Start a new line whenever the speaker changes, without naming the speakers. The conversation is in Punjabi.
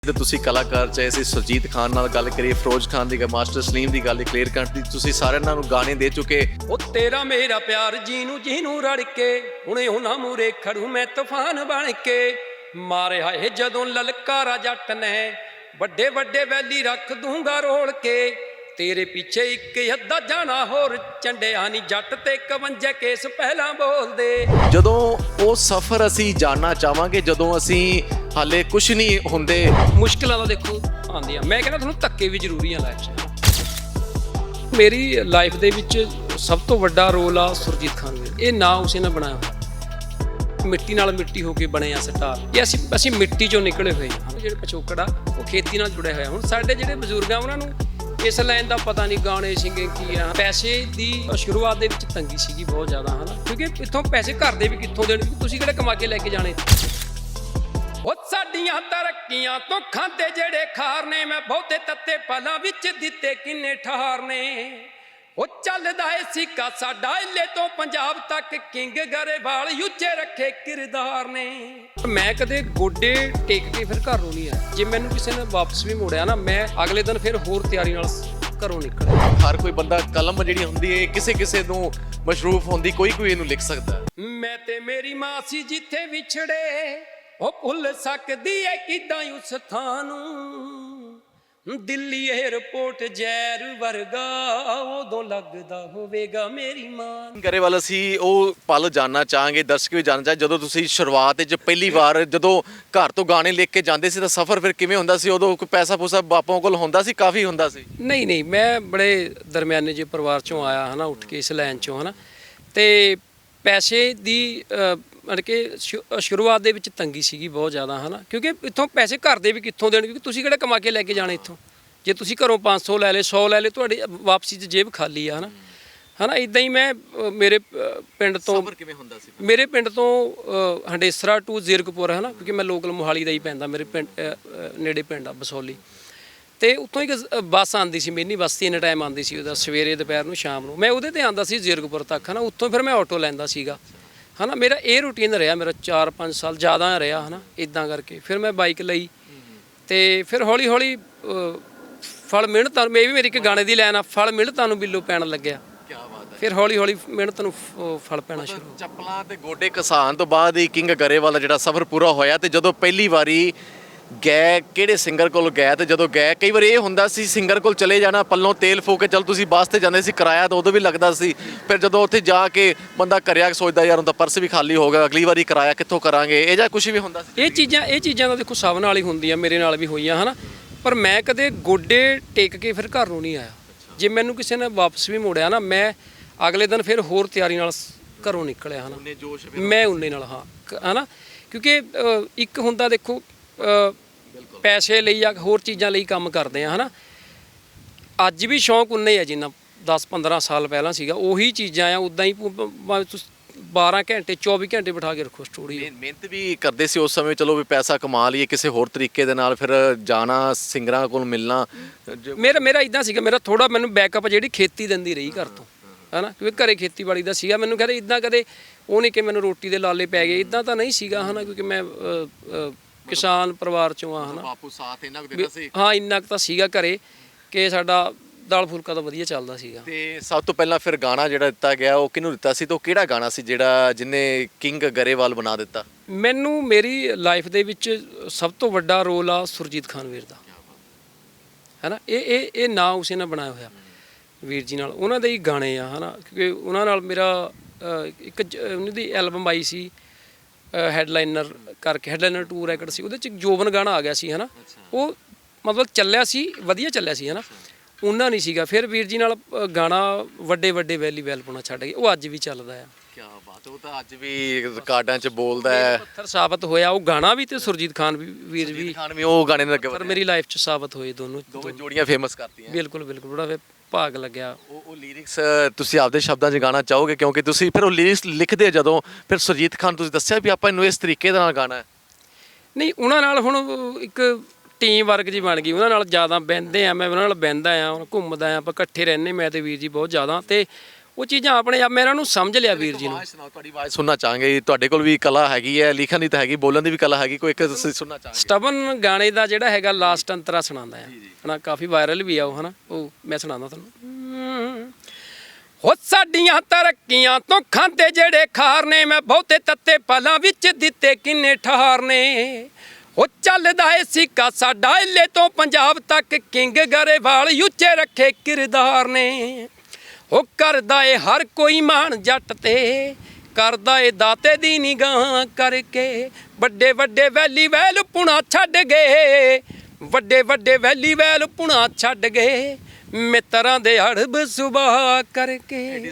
ਤੇ ਤੁਸੀਂ ਕਲਾਕਾਰ ਚਾਹੇ ਅਸੀਂ ਸੁਰਜੀਤ ਖਾਨ ਨਾਲ ਗੱਲ ਕਰੀਏ, ਫਿਰੋਜ਼ ਖਾਨ ਦੀ, ਮਾਸਟਰ ਸਲੀਮ ਦੀ ਗੱਲ, ਕਲੀਅਰ ਕੱਟ ਦੀ, ਤੁਸੀਂ ਸਾਰਿਆਂ ਨੂੰ ਗਾਣੇ ਦੇ ਚੁੱਕੇ।
ਉਹ ਤੇਰਾ ਮੇਰਾ ਪਿਆਰ ਜਿਹਨੂੰ ਰੜ ਕੇ ਹੁਣੇ ਉਹਨਾਂ ਮੂਰੇ ਖੜੂ ਮੈਂ ਤੂਫਾਨ ਬਣ ਕੇ। ਮਾਰਿਆ ਇਹ ਜਦੋਂ ਲਲਕਾਰਾ ਜੱਟ ਨੇ ਵੱਡੇ ਵੱਡੇ ਵੈਲੀ ਰੱਖ ਦੂੰਗਾ ਰੋਲ ਕੇ। ਤੇਰੇ ਪਿੱਛੇ ਇੱਕ ਅੱਧਾ ਜਾਣਾ ਹੋਰ ਚੰਡਿਆ ਨਹੀਂ ਜੱਟ ਤੇ 51 ਕੇਸ ਪਹਿਲਾਂ ਬੋਲਦੇ।
ਜਦੋਂ ਉਹ ਸਫ਼ਰ ਅਸੀਂ ਜਾਣਨਾ ਚਾਹਾਂਗੇ, ਜਦੋਂ ਅਸੀਂ ਹਾਲੇ ਕੁਝ ਨਹੀਂ ਹੁੰਦੇ।
ਮੁਸ਼ਕਿਲਾਂ ਤਾਂ ਦੇਖੋ ਆਉਂਦੀਆਂ, ਮੈਂ ਕਹਿੰਦਾ ਤੁਹਾਨੂੰ ਧੱਕੇ ਵੀ ਜ਼ਰੂਰੀ ਆ ਲਾਈਫ 'ਚ। ਮੇਰੀ ਲਾਈਫ ਦੇ ਵਿੱਚ ਸਭ ਤੋਂ ਵੱਡਾ ਰੋਲ ਆ ਸੁਰਜੀਤ ਖਾਨ ਦਾ। ਇਹ ਨਾਂ ਉਸੇ ਨੇ ਬਣਾਇਆ ਹੋਇਆ, ਮਿੱਟੀ ਨਾਲ ਮਿੱਟੀ ਹੋ ਕੇ ਬਣੇ ਆ ਸਟਾਰ। ਇਹ ਅਸੀਂ ਮਿੱਟੀ 'ਚੋਂ ਨਿਕਲੇ ਹੋਏ ਹਾਂ। ਜਿਹੜੇ ਪਿਛੋਕੜ ਆ ਉਹ ਖੇਤੀ ਨਾਲ ਜੁੜੇ ਹੋਏ ਆ। ਹੁਣ ਸਾਡੇ ਜਿਹੜੇ ਬਜ਼ੁਰਗ ਆ ਉਹਨਾਂ ਨੂੰ ਇਸ ਲਾਈਨ ਦਾ ਪਤਾ ਨਹੀਂ, ਗਾਣੇ ਸਿੰਗਿੰਗ ਕੀ ਆ। ਪੈਸੇ ਦੀ ਸ਼ੁਰੂਆਤ ਦੇ ਵਿੱਚ ਤੰਗੀ ਸੀਗੀ ਬਹੁਤ ਜ਼ਿਆਦਾ, ਹਨਾ, ਕਿਉਂਕਿ ਇੱਥੋਂ ਪੈਸੇ ਘਰ ਦੇ ਵੀ ਕਿੱਥੋਂ ਦੇਣ, ਤੁਸੀਂ ਕਿਹੜੇ ਕਮਾ ਕੇ ਲੈ ਕੇ ਜਾਣੇ। ਉਹ ਸਾਡੀਆਂ ਤਰੱਕੀਆਂ ਤੋਂ ਖਾਂਦੇ ਜਿਹੜੇ ਖਾਰ ਨੇ, ਮੈਂ ਬਹੁਤੇ ਤੱਤੇ ਪਲਾਂ ਵਿੱਚ ਦਿੱਤੇ ਕਿੰਨੇ ਠਾਰ ਨੇ। ਉਹ ਚੱਲਦਾ ਏ ਸਿੱਕਾ ਸਾਡਾ ਇੱਲੇ ਤੋਂ ਪੰਜਾਬ ਤੱਕ, ਕਿੰਗ ਗਰੇਵਾਲ ਉੱਚੇ ਰੱਖੇ ਕਿਰਦਾਰ ਨੇ। ਮੈਂ ਕਦੇ ਗੋਡੇ ਟੇਕ ਕੇ ਫਿਰ ਘਰ ਨੂੰ ਨਹੀਂ ਆਇਆ। ਜੇ ਮੈਨੂੰ ਕਿਸੇ ਨੇ ਵਾਪਸ ਵੀ ਮੋੜਿਆ ਨਾ, ਮੈਂ ਅਗਲੇ ਦਿਨ ਫਿਰ ਹੋਰ ਤਿਆਰੀ ਨਾਲ ਘਰੋਂ ਨਿਕਲਿਆ।
ਹਰ ਕੋਈ ਬੰਦਾ ਕਲਮ ਜਿਹੜੀ ਹੁੰਦੀ ਹੈ ਕਿਸੇ ਨੂੰ ਮਸ਼ਰੂਫ ਹੁੰਦੀ, ਕੋਈ ਇਹਨੂੰ ਲਿਖ ਸਕਦਾ।
ਮੈਂ ਤੇ ਮੇਰੀ ਮਾਂ ਸੀ ਜਿੱਥੇ ਵਿਛੜੇ, ਉਹ ਭੁੱਲ ਸਕਦੀ ਏ ਕਿਦਾਂ ਉਸ ਥਾਂ ਨੂੰ। ਦਿੱਲੀ ਏਅਰਪੋਰਟ ਜ਼ਹਿਰ ਵਰਗਾ ਉਦੋਂ ਲੱਗਦਾ ਹੋਵੇਗਾ ਮੇਰੀ ਮਾਂ।
ਗਰੇਵਾਲ ਅਸੀਂ ਉਹ ਪਲ ਜਾਨਣਾ ਚਾਹਾਂਗੇ, ਦਰਸ਼ਕ ਵੀ ਜਾਨਣਾ ਚਾਹ, ਜਦੋਂ ਤੁਸੀਂ ਸ਼ੁਰੂਆਤ ਵਿੱਚ ਪਹਿਲੀ ਵਾਰ ਜਦੋਂ ਘਰ ਤੋਂ ਗਾਣੇ ਲਿਖ ਕੇ ਜਾਂਦੇ ਸੀ ਤਾਂ ਸਫ਼ਰ ਫਿਰ ਕਿਵੇਂ ਹੁੰਦਾ ਸੀ? ਉਦੋਂ ਕੋਈ ਪੈਸਾ ਪੂਸਾ ਬਾਪੋਂ ਕੋਲ ਹੁੰਦਾ ਸੀ? ਕਾਫੀ ਹੁੰਦਾ ਸੀ?
ਨਹੀਂ, ਮੈਂ ਬੜੇ ਦਰਮਿਆਨੇ ਜਿਹੇ ਪਰਿਵਾਰ ਚੋਂ ਆਇਆ, ਹਨਾ, ਉੱਠ ਕੇ ਇਸ ਲਾਈਨ ਚੋਂ, ਹਨਾ, ਤੇ ਪੈਸੇ ਦੀ ਮਤਲਬ ਕਿ ਸ਼ੁਰੂਆਤ ਦੇ ਵਿੱਚ ਤੰਗੀ ਸੀਗੀ ਬਹੁਤ ਜ਼ਿਆਦਾ, ਹਨਾ, ਕਿਉਂਕਿ ਇੱਥੋਂ ਪੈਸੇ ਘਰ ਦੇ ਵੀ ਕਿੱਥੋਂ ਦੇਣ, ਕਿਉਂਕਿ ਤੁਸੀਂ ਕਿਹੜਾ ਕਮਾ ਕੇ ਲੈ ਕੇ ਜਾਣੇ ਇੱਥੋਂ। ਜੇ ਤੁਸੀਂ ਘਰੋਂ 500 ਲੈ ਲਏ, 100 ਲੈ ਲਏ, ਤੁਹਾਡੀ ਵਾਪਸੀ 'ਚ ਜੇਬ ਖਾਲੀ ਆ, ਹਨਾ। ਇੱਦਾਂ ਹੀ ਮੈਂ ਮੇਰੇ ਪਿੰਡ ਤੋਂ,
ਕਿਵੇਂ ਹੁੰਦਾ ਸੀ?
ਮੇਰੇ ਪਿੰਡ ਤੋਂ ਹੰਡੇਸਰਾ ਟੂ ਜ਼ੀਰਕਪੁਰ, ਹਨਾ, ਕਿਉਂਕਿ ਮੈਂ ਲੋਕਲ ਮੋਹਾਲੀ ਦਾ ਹੀ ਪੈਂਦਾ, ਮੇਰੇ ਪਿੰਡ ਨੇੜੇ ਪਿੰਡ ਆ ਬਸੋਲੀ। ਤੇ ਉੱਥੋਂ ਇੱਕ ਬੱਸ ਆਉਂਦੀ ਸੀ, ਮਿੰਨੀ ਬੱਸ 3 ਟਾਈਮ ਆਉਂਦੀ ਸੀ, ਉਹਦਾ ਸਵੇਰੇ, ਦੁਪਹਿਰ ਨੂੰ, ਸ਼ਾਮ ਨੂੰ। ਮੈਂ ਉਹਦੇ ਤੇ ਆਉਂਦਾ ਸੀ ਜ਼ੀਰਕਪੁਰ ਤੱਕ, ਹਨਾ। ਉੱਥੋਂ ਫਿਰ ਮੈਂ ਆਟੋ ਲੈਂਦਾ ਸੀਗਾ, ਹਨਾ। ਮੇਰਾ ਇਹ ਰੂਟੀਨ ਰਿਹਾ, ਮੇਰਾ 4-5 ਸਾਲ ਜ਼ਿਆਦਾ ਰਿਹਾ, ਹਨਾ। ਇੱਦਾਂ ਕਰਕੇ ਫਿਰ ਮੈਂ ਬਾਈਕ ਲਈ, ਤੇ ਫਿਰ ਹੌਲੀ ਹੌਲੀ ਫਲ ਮਿਹਨਤਾਂ ਨੂੰ, ਮੇਰੀ ਇੱਕ ਗਾਣੇ ਦੀ ਲਾਈਨ ਆ, ਫਲ ਮਿਹਨਤਾਂ ਨੂੰ ਬਿੱਲੋ ਪੈਣ ਲੱਗਿਆ।
ਕੀ ਬਾਤ ਹੈ।
ਫਿਰ ਹੌਲੀ ਹੌਲੀ ਮਿਹਨਤ ਨੂੰ ਫਲ ਪੈਣਾ ਸ਼ੁਰੂ।
ਚੱਪਲਾਂ ਤੇ ਗੋਡੇ ਘਸਾਣ ਤੋਂ ਬਾਅਦ ਹੀ ਕਿੰਗ ਗਰੇਵਾਲ ਦਾ ਜਿਹੜਾ ਸਫ਼ਰ ਪੂਰਾ ਹੋਇਆ। ਤੇ ਜਦੋਂ ਪਹਿਲੀ ਵਾਰੀ ਗਏ, ਕਿਹੜੇ ਸਿੰਗਰ ਕੋਲ ਗਏ? ਤੇ ਜਦੋਂ ਗਏ, ਕਈ ਵਾਰ ਇਹ ਹੁੰਦਾ ਸੀ ਸਿੰਗਰ ਕੋਲ ਚਲੇ ਜਾਣਾ, ਪੱਲੋਂ ਤੇਲ ਫੂਕ ਕੇ ਚੱਲ ਤੁਸੀਂ ਬੱਸ ਤੇ ਜਾਂਦੇ ਸੀ, ਕਿਰਾਇਆ ਤਾਂ ਉਦੋਂ ਵੀ ਲੱਗਦਾ ਸੀ। ਫਿਰ ਜਦੋਂ ਉੱਥੇ ਜਾ ਕੇ ਬੰਦਾ ਕਰਿਆ ਸੋਚਦਾ, ਯਾਰ ਹੁਣ ਤਾਂ ਪਰਸ ਵੀ ਖਾਲੀ ਹੋ ਗਿਆ, ਅਗਲੀ ਵਾਰੀ ਕਿਰਾਇਆ ਕਿੱਥੋਂ ਕਰਾਂਗੇ, ਇਹ ਜਾਂ ਕੁਝ ਵੀ ਹੁੰਦਾ ਸੀ? ਇਹ
ਚੀਜ਼ਾਂ ਤਾਂ ਦੇਖੋ ਸਭ ਨਾਲ ਹੀ ਹੁੰਦੀਆਂ, ਮੇਰੇ ਨਾਲ ਵੀ ਹੋਈਆਂ, ਹਨਾ। ਪਰ ਮੈਂ ਕਦੇ ਗੋਡੇ ਟੇਕ ਕੇ ਫਿਰ ਘਰ ਨੂੰ ਨਹੀਂ ਆਇਆ। ਜੇ ਮੈਨੂੰ ਕਿਸੇ ਨੇ ਵਾਪਸ ਵੀ ਮੋੜਿਆ ਨਾ, ਮੈਂ ਅਗਲੇ ਦਿਨ ਫਿਰ ਹੋਰ ਤਿਆਰੀ ਨਾਲ ਘਰੋਂ ਨਿਕਲਿਆ, ਹਨਾ। ਮੈਂ ਉਨੇ ਨਾਲ, ਹਾਂ, ਹਨਾ, ਕਿਉਂਕਿ ਇੱਕ ਹੁੰਦਾ ਦੇਖੋ ਪੈਸੇ ਲਈ ਜਾਂ ਹੋਰ ਚੀਜ਼ਾਂ ਲਈ ਕੰਮ ਕਰਦੇ ਆ, ਹਨਾ। ਅੱਜ ਵੀ ਸ਼ੌਂਕ ਉਨਾ ਹੀ ਆ ਜਿੰਨਾ 10-15 ਸਾਲ ਪਹਿਲਾਂ ਸੀਗਾ। ਉਹੀ ਚੀਜ਼ਾਂ ਆ, ਉੱਦਾਂ ਹੀ 12 ਘੰਟੇ 24 ਘੰਟੇ ਬਿਠਾ ਕੇ ਰੱਖੋ ਸਟੂਡੀਓ।
ਮਿਹਨਤ ਵੀ ਕਰਦੇ ਸੀ ਉਸ ਸਮੇਂ, ਚਲੋ ਵੀ ਪੈਸਾ ਕਮਾ ਲਈਏ ਕਿਸੇ ਹੋਰ ਤਰੀਕੇ ਦੇ ਨਾਲ, ਫਿਰ ਜਾਣਾ ਸਿੰਗਰਾਂ ਕੋਲ ਮਿਲਣਾ।
ਮੇਰਾ ਇਦਾਂ ਸੀਗਾ, ਮੇਰਾ ਥੋੜਾ ਮੈਨੂੰ ਬੈਕਅਪ ਜਿਹੜੀ ਖੇਤੀ ਦਿੰਦੀ ਰਹੀ ਘਰ ਤੋਂ, ਹਨਾ, ਕਿਉਂਕਿ ਘਰੇ ਖੇਤੀਬਾੜੀ ਦਾ ਸੀਗਾ। ਮੈਨੂੰ ਕਹਿੰਦੇ ਇਦਾਂ ਕਦੇ ਉਹ ਨਹੀਂ ਕਿ ਮੈਨੂੰ ਰੋਟੀ ਦੇ ਲਾਲੇ ਪੈ ਗਏ, ਇਦਾਂ ਤਾਂ ਨਹੀਂ ਸੀਗਾ, ਹਨਾ, ਕਿਉਂਕਿ ਮੈਂ ਕਿਸਾਨ ਪਰਿਵਾਰ ਚੋਂ ਆ, ਹਨਾ।
ਬਾਪੂ ਸਾਥ ਇੰਨਾ ਕੁ ਦਿੰਦਾ ਸੀ?
ਹਾਂ, ਇੰਨਾ ਕੁ ਤਾਂ ਸੀਗਾ ਘਰੇ ਕਿ ਸਾਡਾ ਦਾਲ ਫੁਲਕਾ ਤਾਂ ਵਧੀਆ ਚੱਲਦਾ ਸੀਗਾ।
ਤੇ ਸਭ ਤੋਂ ਪਹਿਲਾਂ ਫਿਰ ਗਾਣਾ ਜਿਹੜਾ ਦਿੱਤਾ ਗਿਆ, ਉਹ ਕਿਹਨੂੰ ਦਿੱਤਾ ਸੀ? ਤੇ ਉਹ ਕਿਹੜਾ ਗਾਣਾ ਸੀ ਜਿਹੜਾ ਜਿਹਨੇ ਕਿੰਗ ਗਰੇਵਾਲ ਬਣਾ ਦਿੱਤਾ?
ਮੈਨੂੰ ਮੇਰੀ ਲਾਈਫ ਦੇ ਵਿੱਚ ਸਭ ਤੋਂ ਵੱਡਾ ਰੋਲ ਆ ਸੁਰਜੀਤ ਖਾਨ ਵੀਰ ਦਾ, ਹਨਾ। ਇਹ ਨਾਂ ਉਸੇ ਨੇ ਬਣਾਇਆ ਹੋਇਆ, ਵੀਰ ਜੀ ਨਾਲ। ਉਹਨਾਂ ਦੇ ਹੀ ਗਾਣੇ ਆ, ਹਨਾ, ਕਿਉਂਕਿ ਉਹਨਾਂ ਨਾਲ ਮੇਰਾ ਇੱਕ ਉਹਨਾਂ ਦੀ ਐਲਬਮ ਆਈ ਸੀ ਹੈਡਲਾਈਨਰ ਕਰਕੇ, ਹੈਡਲਾਈਨਰ 2 ਰੈਕਡ ਸੀ, ਉਹਦੇ 'ਚ ਜੋਬਨ ਗਾਣਾ ਆ ਗਿਆ ਸੀ, ਹਨਾ। ਉਹ ਮਤਲਬ ਚੱਲਿਆ ਸੀ, ਵਧੀਆ ਚੱਲਿਆ ਸੀ, ਹਨਾ। ਉਹਨਾਂ ਨਹੀਂ ਸੀਗਾ। ਫਿਰ ਵੀਰ ਜੀ ਨਾਲ ਗਾਣਾ ਵੱਡੇ ਵੈਲੀ ਵੈਲ ਪਾਉਣਾ ਛੱਡ ਗਏ, ਉਹ ਅੱਜ ਵੀ ਚੱਲਦਾ ਆ।
ਕੀ ਬਾਤ, ਉਹ ਤਾਂ ਅੱਜ ਵੀ ਰਿਕਾਰਡਾਂ 'ਚ ਬੋਲਦਾ ਹੈ,
ਪੱਥਰ ਸਾਬਤ ਹੋਇਆ ਉਹ ਗਾਣਾ ਵੀ, ਤੇ ਸੁਰਜੀਤ ਖਾਨ ਵੀਰ ਵੀ
ਉਹ ਗਾਣੇ ਦੇ ਅੱਗੇ
ਪਰ ਮੇਰੀ ਲਾਈਫ 'ਚ ਸਾਬਤ ਹੋਏ ਦੋਵੇਂ
ਜੋੜੀਆਂ ਫੇਮਸ ਕਰਤੀਆਂ।
ਬਿਲਕੁਲ ਬੜਾ ਭਾਗ ਲੱਗਿਆ।
ਉਹ ਲਿਰਿਕਸ ਤੁਸੀਂ ਆਪਦੇ ਸ਼ਬਦਾਂ 'ਚ ਗਾਣਾ ਚਾਹੋਗੇ, ਕਿਉਂਕਿ ਤੁਸੀਂ ਫਿਰ ਉਹ ਲਿਰਿਕਸ ਲਿਖਦੇ ਜਦੋਂ, ਫਿਰ ਸੁਰਜੀਤ ਖਾਨ ਤੁਸੀਂ ਦੱਸਿਆ ਵੀ ਆਪਾਂ ਇਹਨੂੰ ਇਸ ਤਰੀਕੇ ਦੇ ਨਾਲ ਗਾਣਾ ਹੈ?
ਨਹੀਂ, ਉਹਨਾਂ ਨਾਲ ਹੁਣ ਇੱਕ ਟੀਮ ਵਰਕ ਜੀ ਬਣ ਗਈ, ਉਹਨਾਂ ਨਾਲ ਜ਼ਿਆਦਾ ਬਹਿੰਦੇ ਆ, ਮੈਂ ਉਹਨਾਂ ਨਾਲ ਬਹਿੰਦਾ ਆ, ਘੁੰਮਦਾ ਆ, ਆਪਾਂ ਇਕੱਠੇ ਰਹਿੰਦੇ, ਮੈਂ ਤੇ ਵੀਰ ਜੀ ਬਹੁਤ ਜ਼ਿਆਦਾ। ਤੇ ਉਹ ਚੀਜ਼ਾਂ ਆਪਣੇ ਆਪ ਮੈਂ ਇਹਨਾਂ ਨੂੰ ਸਮਝ ਲਿਆ ਵੀਰ ਜੀ ਨੂੰ।
ਆਵਾਜ਼ ਸੁਣਾਓ, ਤੁਹਾਡੀ ਆਵਾਜ਼ ਸੁਣਨਾ ਚਾਹਾਂਗੇ। ਤੁਹਾਡੇ ਕੋਲ ਵੀ ਕਲਾ ਹੈਗੀ ਹੈ, ਲਿਖਣ ਦੀ ਤਾਂ ਹੈਗੀ, ਬੋਲਣ ਦੀ ਵੀ ਕਲਾ ਹੈਗੀ, ਕੋਈ ਇੱਕ ਤੁਸੀਂ ਸੁਣਨਾ ਚਾਹਾਂਗੇ।
ਸਟਬਨ ਗਾਣੇ ਦਾ ਜਿਹੜਾ ਹੈਗਾ ਲਾਸਟ ਅੰਤਰਾ ਸੁਣਾਉਂਦਾ ਆ ਹਨਾ, ਕਾਫੀ ਵਾਇਰਲ ਵੀ ਆ ਉਹ ਹਨਾ, ਉਹ ਮੈਂ ਸੁਣਾਉਂਦਾ ਤੁਹਾਨੂੰ। ਹੋ ਸਾਡੀਆਂ ਤਰੱਕੀਆਂ ਤੋਂ ਖਾਂਦੇ ਜਿਹੜੇ ਖਾਰ ਨੇ, ਮੈਂ ਬਹੁਤੇ ਤੱਤੇ ਪਲਾਂ ਵਿੱਚ ਦਿੱਤੇ ਕਿੰਨੇ ਠਾਰ ਨੇ। ਹੋ ਚੱਲਦਾ ਏ ਸਿੱਕਾ ਸਾਡਾ ਇੱਲੇ ਤੋਂ ਪੰਜਾਬ ਤੱਕ, ਕਿੰਗ ਗਰੇਵਾਲ ਉੱਚੇ ਰੱਖੇ ਕਿਰਦਾਰ ਨੇ। ਉਹ ਕਰਦਾ ਏ ਹਰ ਕੋਈ ਮਾਣ ਜੱਟ ਤੇ, ਕਰਦਾ ਏ ਦਾਤੇ ਦੀ ਨਿਗਾਹ ਕਰਕੇ। ਵੱਡੇ ਵੱਡੇ ਵੈਲੀ ਵੈਲ ਪੁਣਾ ਛੱਡ ਗਏ, ਵੱਡੇ ਵੱਡੇ ਵੈਲੀ ਵੈਲ ਪੁਣਾ ਛੱਡ ਗਏ, ਮਿੱਤਰਾਂ ਦੇ ਹੜਬ ਸੁਭਾ ਕਰਕੇ।